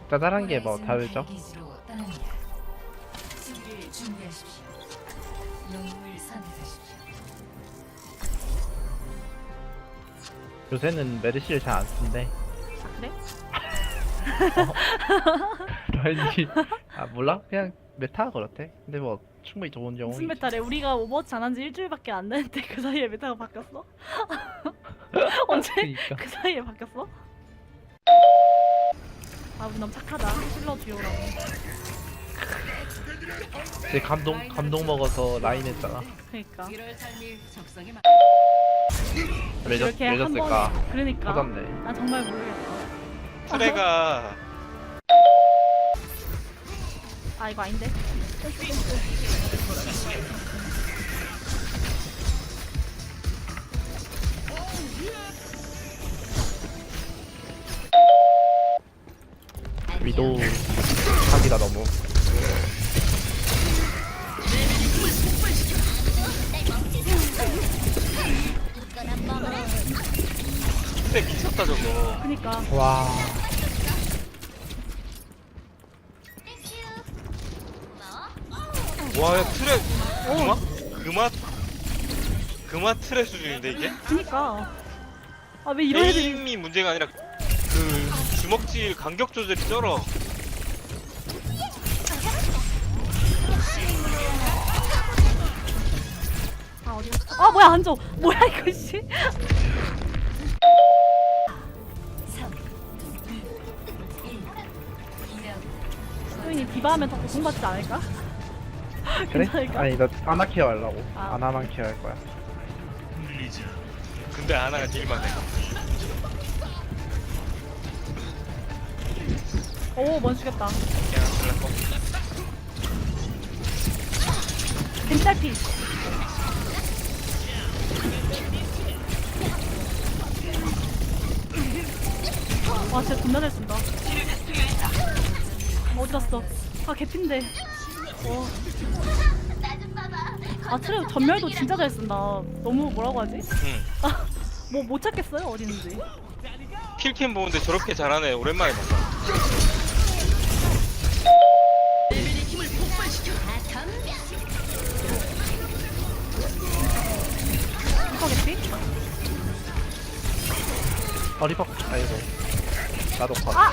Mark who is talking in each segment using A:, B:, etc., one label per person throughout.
A: 짜잘한 게 뭐 다르죠? 요새는 메르시를 잘 안 쓴대.
B: 아 그래?
A: 왠지 아 몰라? 그냥 메타가 그렇대. 근데 뭐 충분히 좋은
B: 무슨
A: 영웅이지.
B: 메타래? 우리가 오버워치 안 한 지 일주일밖에 안 됐는데 그 사이에 메타가 바뀌었어? 언제?
A: 그니까
B: 그 사이에 바뀌었어? 아 우리 너무 착하다. 힐러 듀오라고.
A: 제 감동 먹어서 라인 했잖아.
B: 그니까
A: 왜
B: 이렇게
A: 졌을까?
B: 한번 그러니까
A: 터졌네.
B: 난 정말 모르겠어.
C: 트레가
B: 아 이거 아닌데?
A: 위도 사기다 너무.
C: 트레 미쳤다 저거.
B: 그니까
A: 와.
C: 와, 야, 트레 그마 트레 수준인데 이게?
B: 그니까 아 왜 이런 애들이
C: 게임이 문제가 아니라 그 주먹질 간격 조절이 쩔어.
B: 아 어디 갔어? 아 뭐야 안줘 뭐야 이거 씨 소윤이 디바하면 더 고통받지 않을까?
A: 그래?
B: 괜찮을까?
A: 아니 나 아나 케어 하려고.
B: 아.
A: 아나만 케어 할 거야.
C: 근데 하나가 딜만 해.
B: 오 먼 죽였다
C: 그냥 잘랐고.
B: 벤달피 와 진짜 존나 잘 쓴다 어디 갔어 아 개핀데 아 트레 전멸도 진짜 잘 쓴다 너무 뭐라고 하지?
C: 응.
B: 뭐 못 찾겠어요 어디 있는지
C: 킬캠 보는데 저렇게 잘하네. 오랜만에 봤다.
B: 리퍼 개피?
A: 리퍼 아이고 나도 컷.
B: 아!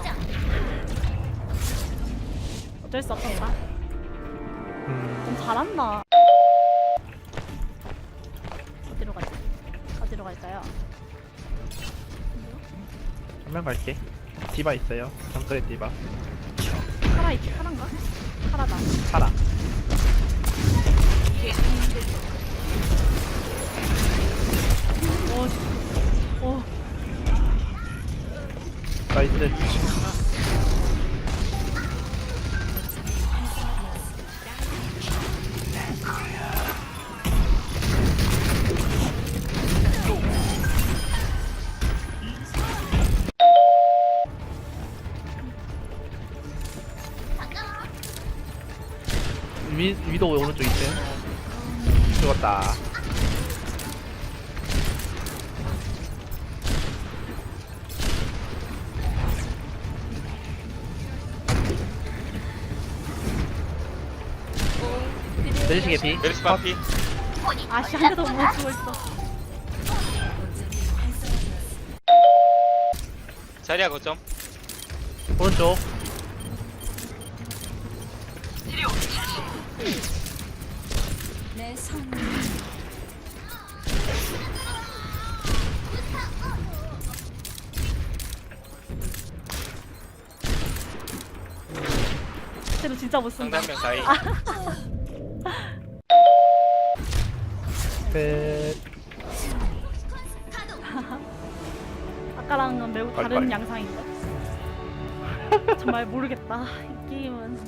B: 어쩔 수 없었다 좀 잘한다 어디로 가지? 어디로 갈까요?
A: 한명 갈게. 디바 있어요. 정글의 디바.
B: 카라 있지? 카란가? 카라다
A: 살아.
B: 오
A: 나이스. 위도 오른쪽 있어요. 죽었다. 메르시 개피.
C: 메르시 바피.
B: 아씨 한 대도 못 죽어있어
C: 자리야 거점.
A: 오른쪽.
D: 내 손.
B: 쟤도 진짜 못 쓴다
C: 상대 한명 다이.
A: 끝.
B: 아까랑은 매우 다른
A: 빨리.
B: 양상인데 정말 모르겠다 이 게임은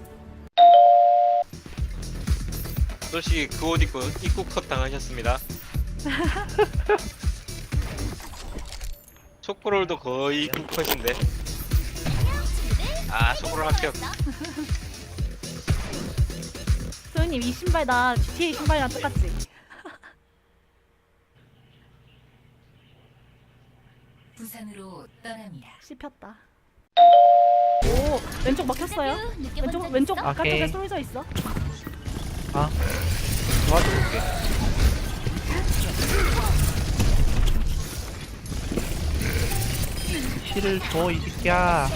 C: 또시 그 옷 입고 입국 컷 당하셨습니다. 초코롤도 거의 입국 컷인데. 아, 초코롤 합격.
B: 소연님 이 신발 나 GTA 신발이랑 똑같지?
D: 부산으로 떠납니다.
B: 씹혔다 오 왼쪽 막혔어요. 왼쪽 바깥쪽에
A: 오케이.
B: 쏠져 있어.
A: 아 도와줄게. 힐을 줘 이 새끼야.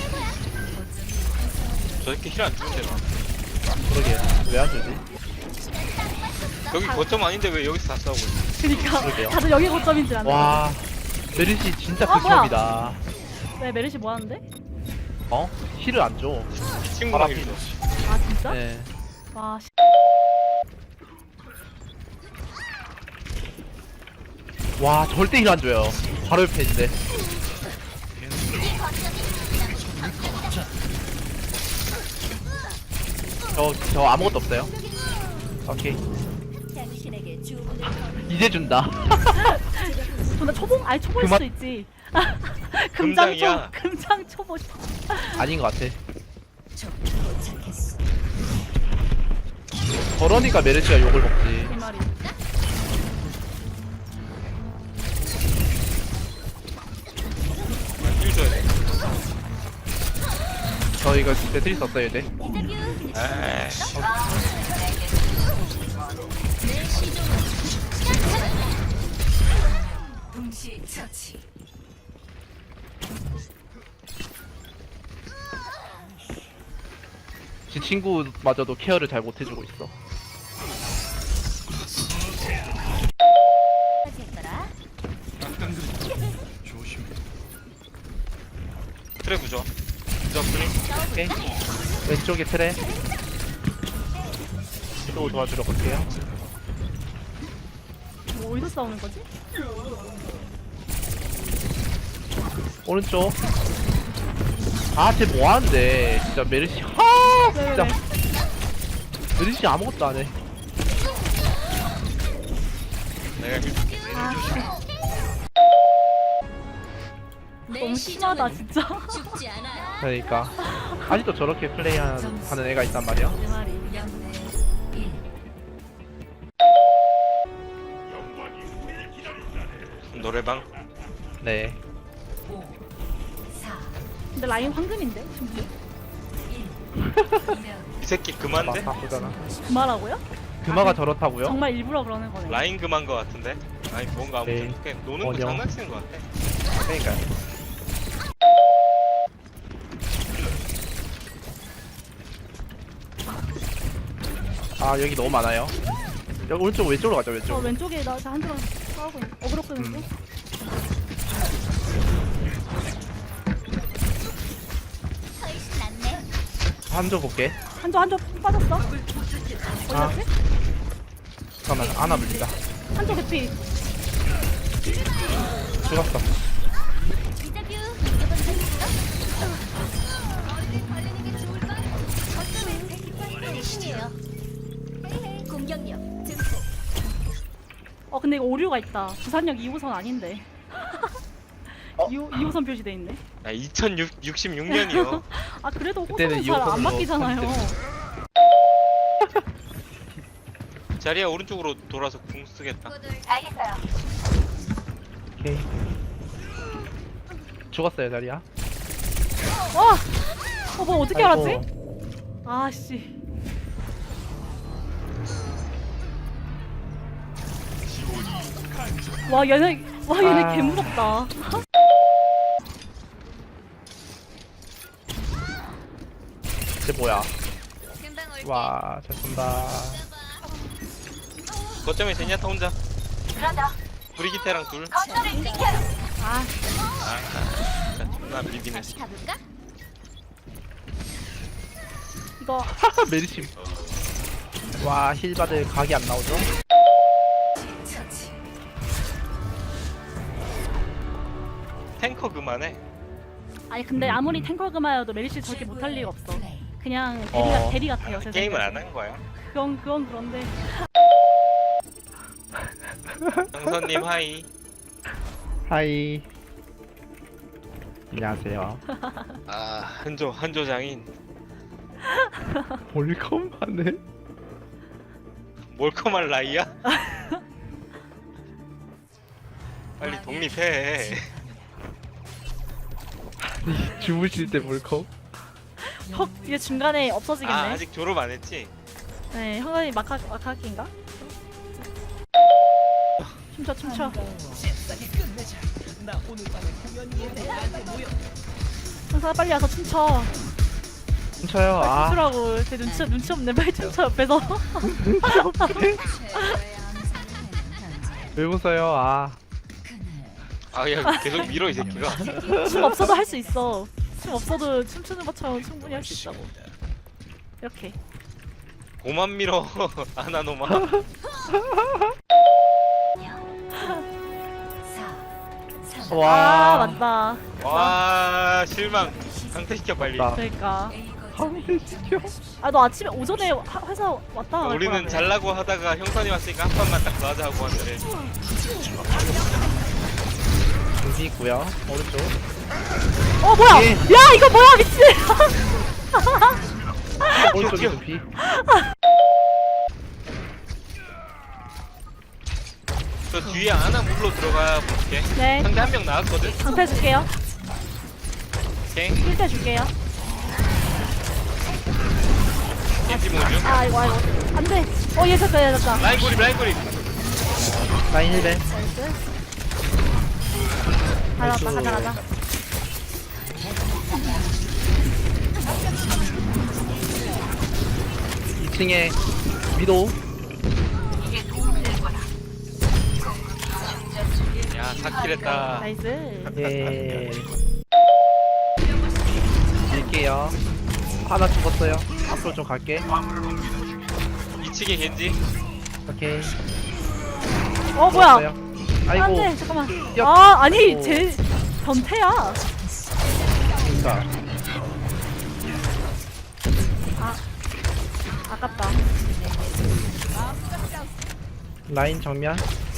C: 저 새끼 힐 안 주는데 나.
A: 그러게 왜 안 주지?
C: 여기 거점 아닌데 왜 여기서 다 싸우고 있어?
B: 그니까
A: 그러게요.
B: 다들 여기 고점인 줄 아네.
A: 와 메르시 진짜
B: 아, 뭐야?
A: 극혐이다.
B: 왜 메르시 뭐 하는데?
A: 어? 힐을 안 줘.
C: 친구랑
A: 바람
C: 힐 줘.
B: 아 진짜?
A: 네.
B: 와 씨.
A: 와 절대 힐 안 줘요. 바로 옆에 있는데. 저 아무것도 없어요. 오케이.
D: 당신에게 주문을
A: 이제 준다.
B: 나 초봉? 아니 초보일
A: 그만-
B: 수도 있지.
C: 금장이야.
B: 금장 초보.
A: 아닌 것 같아.
D: 도착했어.
A: 저러니까 메르시가 욕을 먹지.
B: 그 말이.
C: 힐 줘야 돼.
A: 저 이거 배틀이 썼어요 이제.
C: 에이.
D: 동시 처치.
A: 제 친구마저도 케어를 잘 못해주고 있어.
D: 됐더라.
C: 트레 부죠. 부죠 플링.
A: 오케이. 왼쪽에 트레. 또 도와주러 갈게요.
B: 뭐 어디서 싸우는 거지?
A: 오른쪽. 아, 쟤 뭐하는데? 진짜 메르시. 하! 진짜. 메르시 아무것도 안 해.
C: 내가 힐 줄게.
B: 아
D: 내
B: 너무 심하다
D: 시종은
B: 진짜.
D: 죽지 않아요.
A: 그러니까. 아직도 저렇게 플레이하는 애가 있단 말이야.
B: 내 말이.
D: 영대 1.
C: 노래방.
A: 네.
D: 5. 4.
B: 근데 라인 황금인데 심지어.
D: 1.
C: 이 새끼 그만데?
A: 바쁘잖아.
B: 그말하고요?
A: 금화가 저렇다고요?
B: 정말 일부러 그러는 거네.
C: 라인 그만 거 같은데? 아니 뭔가
A: 네.
C: 아무튼 그냥 노는 거
A: 원형.
C: 장난치는 거 같아.
A: 그러니까요. 아, 여기 너무 많아요. 여기 오른쪽 왼쪽으로 가자, 왼쪽.
B: 왼쪽에 나 한쪽 싸우고 있는. 어그로 끄는데.
D: 훨씬 낫네.
A: 한쪽 볼게.
B: 한쪽 빠졌어. 어디
A: 아.
B: 갔지?
A: 잠깐만, 안아 물린다.
B: 한쪽 개피.
A: 죽었어.
D: 인터뷰 이번 적 있어? 어디 걸리는 게 좋을까? 어쩌면 백기파이터의 힘이에요. 헤이헤이 공격력 증폭.
B: 근데 이거 오류가 있다. 부산역 2호선 아닌데. 2호선 표시돼 있네.
C: 아 2066년이요.
B: 아 그래도
A: 그때는
B: 호선은 잘 안
A: 2호선으로
B: 바뀌잖아요.
C: 자리야 오른쪽으로 돌아서 궁 쓰겠다.
D: 알겠어요.
A: 오케이. 죽었어요, 자리야.
B: 와! 뭐 어떻게
A: 아이고.
B: 알았지? 아씨. 얘네
A: 아.
B: 개무섭다.
A: 쟤 뭐야?
D: 금방 올게.
A: 와, 잘 쏜다.
C: 거점에 제니아타 혼자.
D: 그러자.
C: 브리기테랑 둘.
D: 거점을 지켜요.
B: 아,
C: 진짜 존나 비비네.
D: 다시 가볼까?
B: 이거
A: 메리심. 와, 힐바들 각이 안 나오죠?
D: 처치.
C: 탱커 그만해.
B: 아니 근데 아무리 탱커 금화여도 메리시 저렇게 못할 리가 없어. 그냥 대리 같아요. 제
C: 게임을
B: 생각에.
C: 안 한 거야.
B: 그건 그런데.
C: 정선님 하이.
A: 하이. 안녕하세요.
C: 아 한조 장인.
A: 몰컴하네.
C: 몰컴할 나이야? 빨리 독립해.
A: 주무실 때 몰컴?
B: 헉, 얘 중간에 없어지겠네.
C: 아 아직 졸업 안 했지?
B: 네, 형관이 마카키인가? 춤춰 춤춰. 형사 빨리 와서 춤춰.
A: 훔쳐요.
B: 빨리
A: 아.
B: 춤추라고. 쟤 눈치 없네. 빨리 춤춰 옆에서.
A: 왜 웃어요? 아.
C: 아야 계속 밀어 이 새끼가.
B: 춤 없어도 할 수 있어. 춤 없어도 춤추는 것처럼 충분히 할 수 있다고. 이렇게.
C: 고만 밀어 아나노마.
B: 아
A: 와.
B: 맞다.
C: 와 실망. 강퇴시켜 빨리.
A: 맞다.
B: 그러니까.
A: 황태시켜.
B: 아 너 아침에 오전에 회사 왔다 갈
C: 우리는
B: 거라며.
C: 잘라고 하다가 형선이 왔으니까 한 판만 딱 더 하자 하고 왔는데
A: 여기 있고요. 오른쪽.
B: 어 뭐야?
A: 예.
B: 야 이거 뭐야 미친.
A: 오른쪽에 둠피.
C: 저 뒤에 아나 물로 들어가 볼게.
B: 네.
C: 상대 한 명 나왔거든.
B: 방패 줄게요.
C: 오케이.
B: 필때 줄게요.
C: 겐지 모듈.
B: 아 이거 안돼. 어얘 됐다 얘 됐다.
C: 라인 고립 라인 고립.
A: 라인 1벤.
B: 나이스. 가자.
A: 2층에 위도우.
C: 야 4킬 했다.
B: 나이스.
A: 예. 밀게요. 하나 죽었어요. 앞으로 좀 갈게.
C: 2층에 겐지.
A: 오케이.
B: 어 뭐야?
A: 죽었어요. 아이고.
B: 안돼 잠깐만.
A: 뛰어.
B: 아 아니
A: 오.
B: 쟤 변태야.
A: 그러니까.
B: 아깝다.
A: 라인 정면.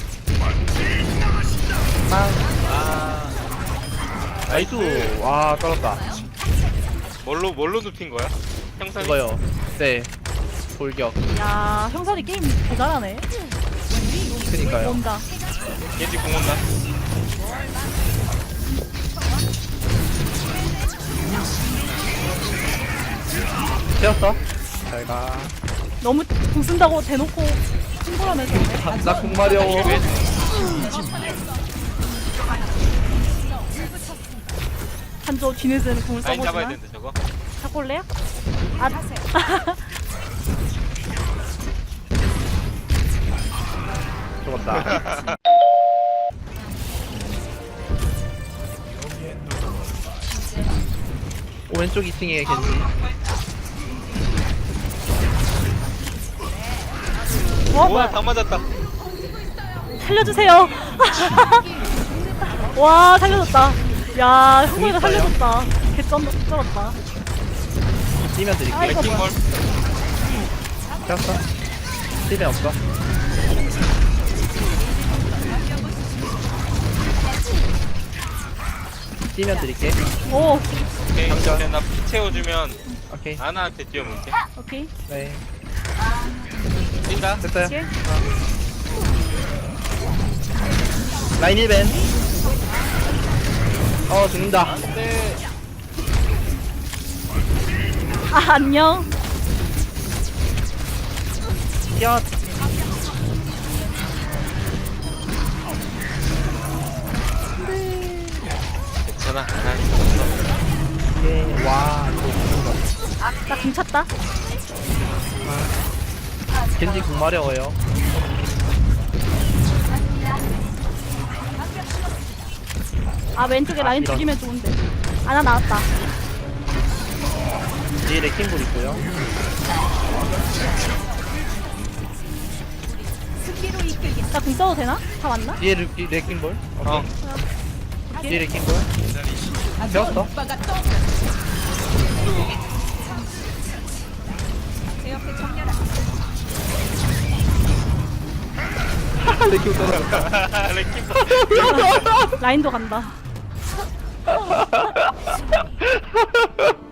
C: 아
A: 나이스. 와 떨었다.
C: 뭘로 눕힌 거야? 형선이.
A: 이거요. 네. 돌격.
B: 야 형선이 게임 개 잘하네.
A: 그니까요.
B: 온다.
C: 겐지 공 온다.
A: 채웠어. 잘 가.
B: 너무 공 쓴다고 대놓고 친구라면서.
A: 나 공마려워.
C: 왜?
B: 한조 뒤늦은 공을
C: 라인 잡아야
B: 써보지만
C: 되는데 저거.
B: 잡고 올래요? 아
A: 죽었다. 왼쪽 2층에 겐지.
B: 어
C: 우와
B: 뭐야?
C: 다 맞았다.
B: 살려주세요. 와 살려줬다. 야 형이가 살려줬다. 쩔었다.
A: 뛰면 드릴게.
B: 아이고.
C: 레킹 걸.
A: 채웠어. 힐이 없어. 뛰면 드릴게.
B: 오
C: 오케이.
A: 장전.
C: 이제 나피 채워주면
A: 오케이.
C: 아나한테 뛰어볼게.
B: 오케이.
A: 네.
C: 뛴다.
A: 됐어요.
B: 오케이.
A: 라인 1벤. 죽는다.
C: 네.
B: 아 안녕.
A: 뛰어.
C: 괜찮아. 아나 있어.
A: 예. 와. 이거 죽는다.
B: 나 공 찼다.
A: 겐지 궁마려워요.
B: 아 왼쪽에 라인
A: 이런.
B: 죽이면 좋은데. 아나 나왔다.
A: 뒤에 레킹볼 있고요.
B: 나 공 써도 되나? 다 왔나?
A: 뒤에 레킹볼.
C: 어.
A: 뒤에 레킹볼. 배웠어. 레킹볼 떨어졌다.
C: 레킹
B: 라인도 간다.